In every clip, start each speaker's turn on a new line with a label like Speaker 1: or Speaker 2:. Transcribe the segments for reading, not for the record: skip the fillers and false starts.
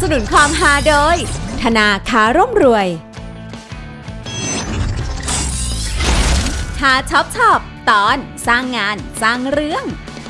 Speaker 1: นุนความฮาโดยธนาคารร่ำรวยหาช็อปตอนสร้างงานสร้างเรื่อง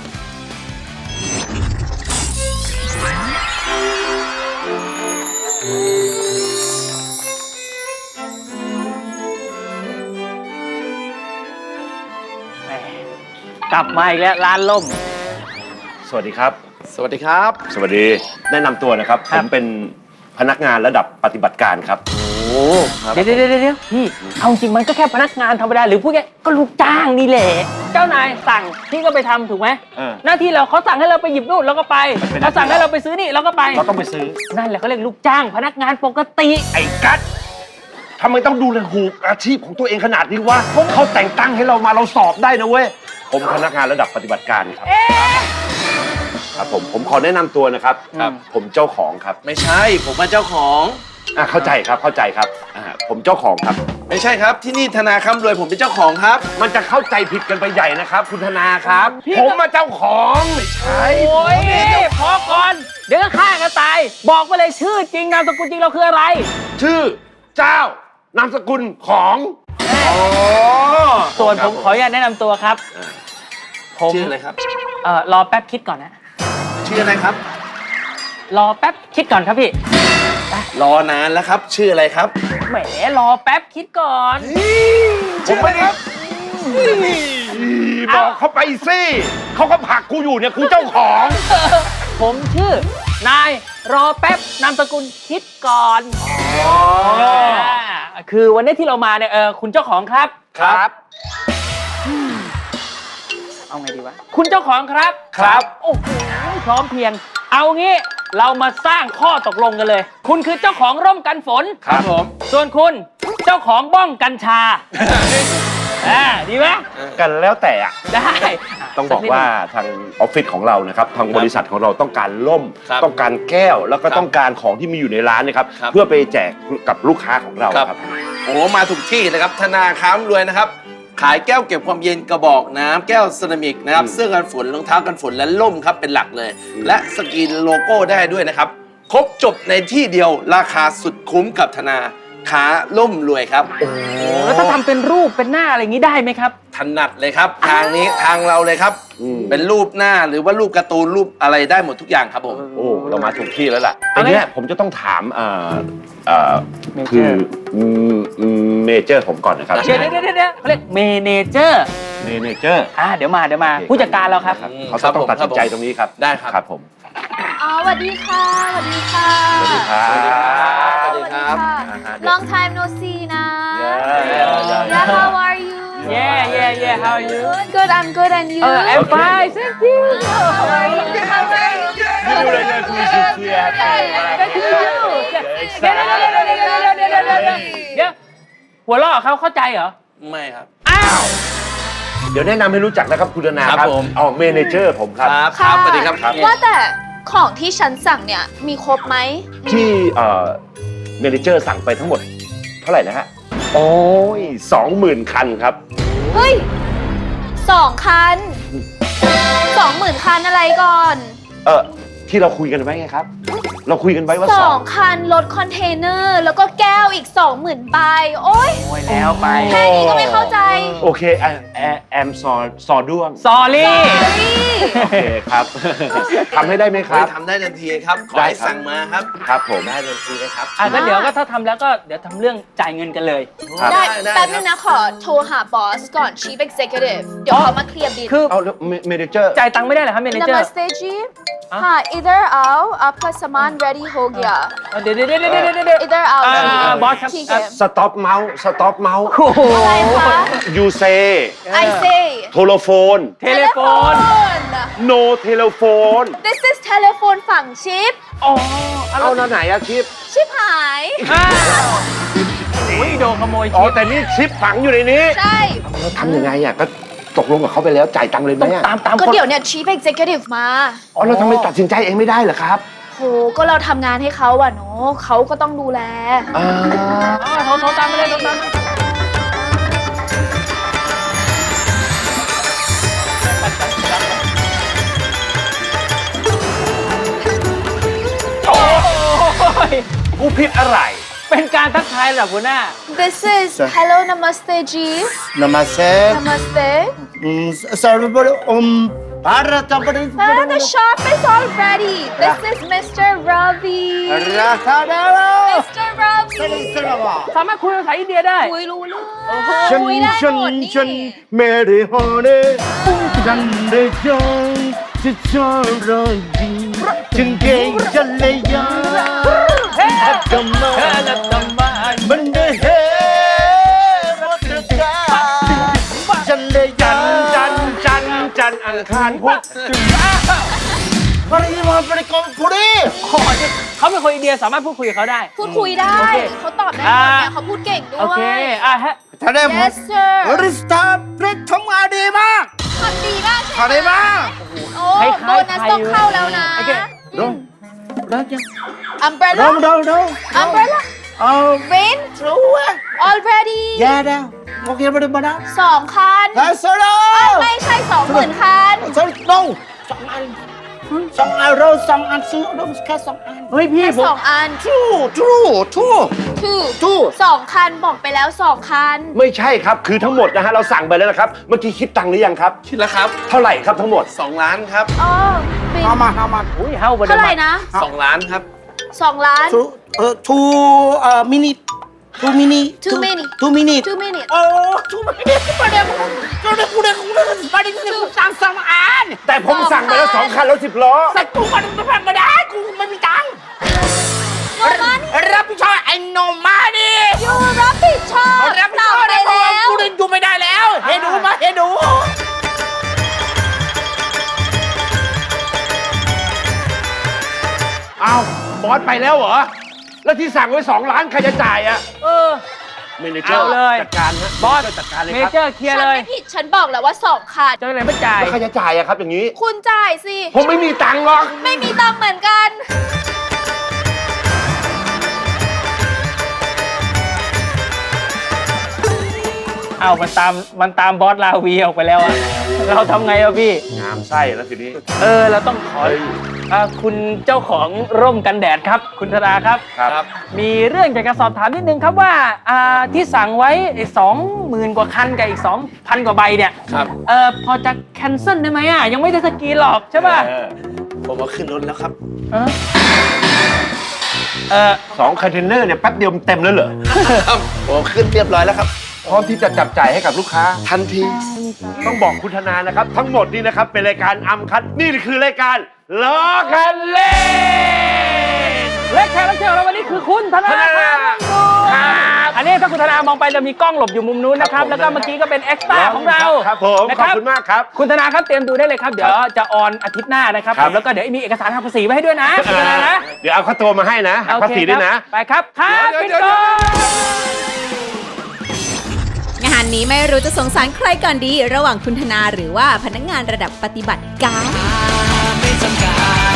Speaker 2: กลับมาอีกแล้วร้านล่ม
Speaker 3: สวัสดีครับ
Speaker 4: สวัสดีครับ
Speaker 3: สวัสดีแนะนำตัวนะครับผมเป็นพนักงานระดับปฏิบัติการครับ
Speaker 2: โอ้เดี๋ยวพี่เอาจริงมันก็แค่พนักงานธรรมดาหรือพูดง่ายก็ลูกจ้างนี่แหละเจ้านายสั่งพี่ก็ไปทำถูกไหมหน้าที่เราเขาสั่งให้เราไปหยิบนู่นเราก็ไปเขาสั่งให้เราไปซื้อนี่เราก็ไป
Speaker 3: เราต้องไปซื้อ
Speaker 2: นั่นแหละเขาเรียกลูกจ้างพนักงานปกติ
Speaker 3: ไอ้กั๊ดทำไมต้องดูแลหูอาชีพของตัวเองขนาดนี้วะเขาแต่งตั้งให้เรามาเราสอบได้นะเว้ยผมพนักงานระดับปฏิบัติการครับผมขอแนะนำตัวนะครับผมเจ้าของครับ
Speaker 4: ไม่ใช่ผมเป็นเจ้าของ
Speaker 3: เข้าใจครับผมเจ้าของครับ
Speaker 4: ไม่ใช่ครับที่นี่ธนาคารรวยผมเป็นเจ้าของครับ
Speaker 3: มันจะเข้าใจผิดกันไปใหญ่นะครับคุณธนาครับผมมาเจ้าของ
Speaker 4: ไม่ใช่
Speaker 2: โอ้ยพอก่อนเดี๋ยวก็ฆ่ากันตายบอกมาเลยชื่อจริงนามสกุลจริงเราคืออะไร
Speaker 3: ชื่อเจ้านามสกุลของ
Speaker 2: ส่วนผมขออนุญาตแนะนำตัวครับ
Speaker 4: ผมชื่ออะไรครับ
Speaker 2: รอแป๊บคิดก่อนนะ
Speaker 4: ชื่ออะไรครับ
Speaker 2: รอแป๊บคิดก่อนครับพี่
Speaker 4: รอนานแล้วครับชื่ออะไรครับ
Speaker 2: แหมรอแป๊บคิดก่อน
Speaker 3: ผมไม่ได้บอกเขาไปสิเขาก็ผลักกูอยู่เนี่ยกูเจ้าของ
Speaker 2: ผมชื่อนายรอแป๊บนามสกุลคิดก่อนคือวันนี้ที่เรามาเนี่ยคุณเจ้าของครับเอาไงดีวะคุณเจ้าของครับโอ้โหพร้อมเพียงเอางี้เรามาสร้างข้อตกลงกันเลยคุณคือเจ้าของร่มกันฝน
Speaker 4: ครับผม
Speaker 2: ส่วนคุณเจ้าของบ้องกัญชาดีไหม
Speaker 3: กันแล้วแต่
Speaker 2: ได้
Speaker 3: ต้องบอกว่าทางออฟฟิศของเรานะครับทางบริษัทของเราต้องการร่มต้องการแก้วแล้วก็ต้องการของที่มีอยู่ในร้านนะครับเพื่อไปแจกกับลูกค้าของเราครับ
Speaker 4: โอ้มาถูกที่นะครับธนาคารรวยนะครับขายแก้วเก็บความเย็นกระบอกน้ำแก้วเซรามิกนะครับเสื้อกันฝนรองเท้ากันฝนและล่มครับเป็นหลักเลยและสกรีนโลโก้ได้ด้วยนะครับครบจบในที่เดียวราคาสุดคุ้มกับธนาคารร่มรวยครับ
Speaker 2: แล้วถ้าทำเป็นรูปเป็นหน้าอะไรอย่างนี้ได้ไหมครับ
Speaker 4: ถนัดเลยครับทางนี้ทางเราเลยครับเป็นรูปหน้าหรือว่ารูปการ์ตูนรูปอะไรได้หมดทุกอย่างครับผม
Speaker 3: โอ้เรามาถูกที่แล้วล่ะอันนี้ผมจะต้องถามคือเมเจอร์ผมก่อนนะครับ
Speaker 2: เดี๋ยวเขาเรียกเมเนเจอร์เดี๋ยวมาผู้จัดการเราครับ
Speaker 3: เขาต้องตัดสินใจตรงนี้ครับ
Speaker 4: ได้ครับ
Speaker 3: ผม
Speaker 5: สวัสดีค่ะสวัสดีครับ Long time no see นะ Yeah how are you
Speaker 2: Yeah how are you
Speaker 5: Good I'm good and you
Speaker 2: I'm fine thank you
Speaker 5: How are you
Speaker 2: เดี๋ยวหัวเราะเขาเข้าใจเหรอ
Speaker 4: ไม่ครับ
Speaker 2: อ้าว
Speaker 3: เดี๋ยวแนะนำให้รู้จักนะครับคุณธนาครับเมเนเจอร์ผมครับ
Speaker 4: ครับสวัสดีครับ
Speaker 5: ว่าแต่ของที่ฉันสั่งเนี่ยมีครบไหม
Speaker 3: ที่เมเนเจอร์สั่งไปทั้งหมดเท่าไหร่นะฮะโอ้ย 20,000 คันครับ
Speaker 5: เฮ้ย2 คัน 20,000 คันอะไรก่อน
Speaker 3: ที่เราคุยกันไว้ไงครับเราคุยกันไว้ว่า
Speaker 5: 2 คันรถคอนเทนเนอร์แล้วก็แก้วอีก 20,000 ใบโอ๊ย
Speaker 2: แล้วไป
Speaker 5: แค่นี้ก็ไม่เข้าใจ
Speaker 3: โอเคแอมซอด้วง
Speaker 2: sorry
Speaker 3: โอเคครับทำให้ได้ไหมครับ
Speaker 4: ทำได้ทันทีครับขอให้สั่งมาครับ
Speaker 3: ครับผม
Speaker 4: ได้ทันทีเลยครับ
Speaker 2: งั้นเดี๋ยวก็ถ้าทำแล้วก็เดี๋ยวทำเรื่องจ่ายเงินกันเลย
Speaker 5: ได้แป๊บนึงนะขอโทรหาบอสก่อน Chief Executive เดี๋ยวเขามาเคลียร์บิล
Speaker 2: คือ
Speaker 3: เอาเมเนเจอร์
Speaker 2: จ่ายตังค์ไม่ได้เหรอครับเมเนเจอร์
Speaker 5: Namaste जी हाँ इधर आओ आपका सामान रेडी हो गया
Speaker 2: เดี๋ยว
Speaker 5: इधर आओ
Speaker 2: บอสครับ
Speaker 3: สต็อปเมาส์
Speaker 5: อะไรคะ
Speaker 3: You say
Speaker 5: I say
Speaker 3: โทรโฟน No telephone
Speaker 5: This is telephone ฝั่งชิป
Speaker 3: เอาไหนอะชิป
Speaker 5: หาย
Speaker 2: โดนขโมย
Speaker 3: แต่นี่ชิปฝังอยู่ในนี้
Speaker 5: ใช่
Speaker 3: แล้วทำยังไงอะก็ตกลงกับเขาไปแล้วจ่ายตังค์เลยไหม
Speaker 2: ตาม
Speaker 5: ก็เดี๋ยวเนี่ย Chief Executive มา
Speaker 3: เราทำไมตัดสินใจเองไม่ได้เหรอครับ
Speaker 5: โหก็เราทำงานให้เขาอะเนาะเขาก็ต้องดูแล
Speaker 2: โทรตามไปเลย
Speaker 3: ผิดอะไร
Speaker 2: เป็นการทักทายระดับหัวหน้า
Speaker 5: This is hello namaste ji
Speaker 6: Namaste.
Speaker 5: namaste
Speaker 6: Sarvabara Bharat
Speaker 5: the shop is all ready this is Mr. Ravi
Speaker 6: Rakadara.
Speaker 5: Mr. Ravi
Speaker 2: สามารถคุยภาษาอินเดียได้
Speaker 5: คุยรู้เรื่อง
Speaker 6: Chan
Speaker 5: คุยได้หม
Speaker 6: chan
Speaker 5: ดนี่
Speaker 6: chan mere hone Jande jang Chicharangi Chenge Jalaya Adama Mande he Mataka Jande
Speaker 3: จัน
Speaker 6: jang
Speaker 3: อังคารพุธ
Speaker 6: Pari ma pari kom puri
Speaker 2: เขาเป็นคนอินเดียสามารถพูดคุยกับเขาได้
Speaker 5: พูดคุยได้
Speaker 2: โอเค
Speaker 5: เขาตอบได้หมดเนี่ยเขาพูดเก่งด้
Speaker 2: โอ
Speaker 5: ว
Speaker 2: เค
Speaker 5: ย
Speaker 2: ฮะ
Speaker 6: Tade
Speaker 5: Yes sir
Speaker 6: ริสตาพริกทำงานดีมาก
Speaker 5: ทำดีมากใช่ไหม
Speaker 6: ทำดีมาก
Speaker 5: โอ้โบนัสต้องเข้าแล้วนะ
Speaker 2: โอเค
Speaker 6: ดงรักยัง
Speaker 5: Umbrella
Speaker 6: ดง
Speaker 5: Umbrella
Speaker 6: เอา
Speaker 5: Rain
Speaker 6: รู้อ่ะ
Speaker 5: already
Speaker 6: แย่แล้วโอเคไม่ได้มานะ
Speaker 5: 2 คัน
Speaker 6: แล้วโซโล่
Speaker 5: ไม่ใช่ 20,000 คัน
Speaker 6: โซโล่2 อันเรา2 อันซื้อเราแค่2 อัน
Speaker 2: เฮ้ยพี่
Speaker 5: แค่
Speaker 2: ผม
Speaker 5: 2 อัน
Speaker 6: ทู
Speaker 5: 2 คันบอกไปแล้ว 2 คัน
Speaker 3: ไม่ใช่ครับ คือทั้งหมดนะฮะเราสั่งไปแล้วนะครับ เมื่อกี้คิดตังค์หรือยังครับ
Speaker 4: คิดแล้วครับ
Speaker 3: เท่าไหร่ครับทั้งหมด
Speaker 4: 2 ล้านครับ
Speaker 5: อ๋อเป็น
Speaker 6: how much
Speaker 2: อุ้ยเฮาบ
Speaker 5: เท่าไหร่นะ
Speaker 4: 2 ล้านครับ
Speaker 5: 2 ล้าน
Speaker 6: two minute 2 minute
Speaker 5: 2 minute
Speaker 6: 2 minute
Speaker 5: 2 minutes
Speaker 6: โอ้2 minute ประเดี๋ยวกูได้ประเดี๋ยวกูสั่ง2 อัน
Speaker 3: แต่ผมสั่งไปแล้ว2 คันแล้ว10 ล้อ
Speaker 6: แต่กูมันไม่ได้กูไม่มีตังค์
Speaker 5: No money
Speaker 6: รับผิดชอบไอ้โนมาดิ
Speaker 5: ยูรับผิดชอบ
Speaker 6: รับผิด
Speaker 5: ต
Speaker 6: ช
Speaker 5: อ
Speaker 6: อ
Speaker 5: บบ ไป
Speaker 6: ได้
Speaker 5: แล้ว
Speaker 6: กูเดินอยู่ไม่ได้แล้วเฮดูมาเฮดู
Speaker 3: อ้าวบอสไปแล้วเหรอ แล้วที่สั่งไว้2 ล้านใครจะจ่ายอะ
Speaker 2: เออ
Speaker 3: เมเนเจอร์
Speaker 2: เอาเลย
Speaker 3: จัดการฮะ
Speaker 2: บอส
Speaker 3: จัดการเลย
Speaker 2: เม
Speaker 3: ครับ
Speaker 2: เจอร์เคลียร์
Speaker 5: ฉัน
Speaker 2: เลย
Speaker 5: ไม่ผิด ฉันบอกแล้วว่า 2 คัน
Speaker 2: เจ้าเลยไม่จ่าย
Speaker 3: แล้วใครจะจ่ายอะครับอย่างนี้
Speaker 5: คุณจ่ายสิ
Speaker 3: ผมไม่มีตังค์หรอก
Speaker 5: ไม่มีตังค์เหมือนกัน
Speaker 2: เอามันตามบอสลาวีออกไปแล้วอะเราทำไงอะพี่
Speaker 3: งามไส้แล้วทีนี้
Speaker 2: เราต้องขอคุณเจ้าของร่มกันแดดครับ คุณธราครับ
Speaker 3: ครับ
Speaker 2: มีเรื่องอยากจะสอบถามนิดนึงครับว่าที่สั่งไว้20,000 กว่าคันกับอีก 2,000 กว่าใบเนี่ย
Speaker 4: ครับ
Speaker 2: พอจะแคนเซิลได้ไหมอ่ะยังไม่ได้สกรีนหรอกใช่ป่ะ
Speaker 4: ผมเอาขึ้นรถแล้วครับ
Speaker 3: 2 คอนเทนเนอร์เนี่ยแป๊บเดียวมันเต็มแล้วเหรอ
Speaker 4: ครับผมเอาขึ้นเรียบร้อยแล้วครับ
Speaker 3: พร้อมที่จะจับจ่ายให้กับลูกค้า
Speaker 4: ทันที
Speaker 3: ต้องบอกคุณธนานะครับ ทั้งหมดนี้นะครับ เป็นรายการอัมคัดนี่คือรายการล้อกันเล่น
Speaker 2: และแขกรับเชิญของเราวันนี้คือคุณธนา
Speaker 3: ธนา
Speaker 2: ครับอันนี้ถ้าคุณธนามองไปจะมีกล้องหลบอยู่มุมนู้นนะครับ แล้วก็เมื่อกี้ก็เป็นเอ็กซ์ตร้าของเรา
Speaker 3: ครับผม
Speaker 2: นะ
Speaker 3: ขอบคุณมากครับ
Speaker 2: คุณธนาครับเตรียมดูได้เลยครับ เดี๋ยวจะออนอาทิตย์หน้านะครับ
Speaker 3: ครับ
Speaker 2: แล้วก็เดี๋ยวมีเอกสารทางภาษีไว้ให้ด้วยนะคุณธนานะ
Speaker 3: เดี๋ยวเอาข้าวตัวมาให้นะหักภาษีด้วยนะ
Speaker 2: โอเคครับไปครับครับ
Speaker 3: เดี๋ยว
Speaker 2: ปิด
Speaker 3: เดี๋ยว
Speaker 2: ก่อน
Speaker 1: งานนี้ไม่รู้จะสงสารใครก่อนดี ระหว่างคุณธนาหรือว่าพนักงานระดับปฏิบัติการ
Speaker 7: ไม่จำกัด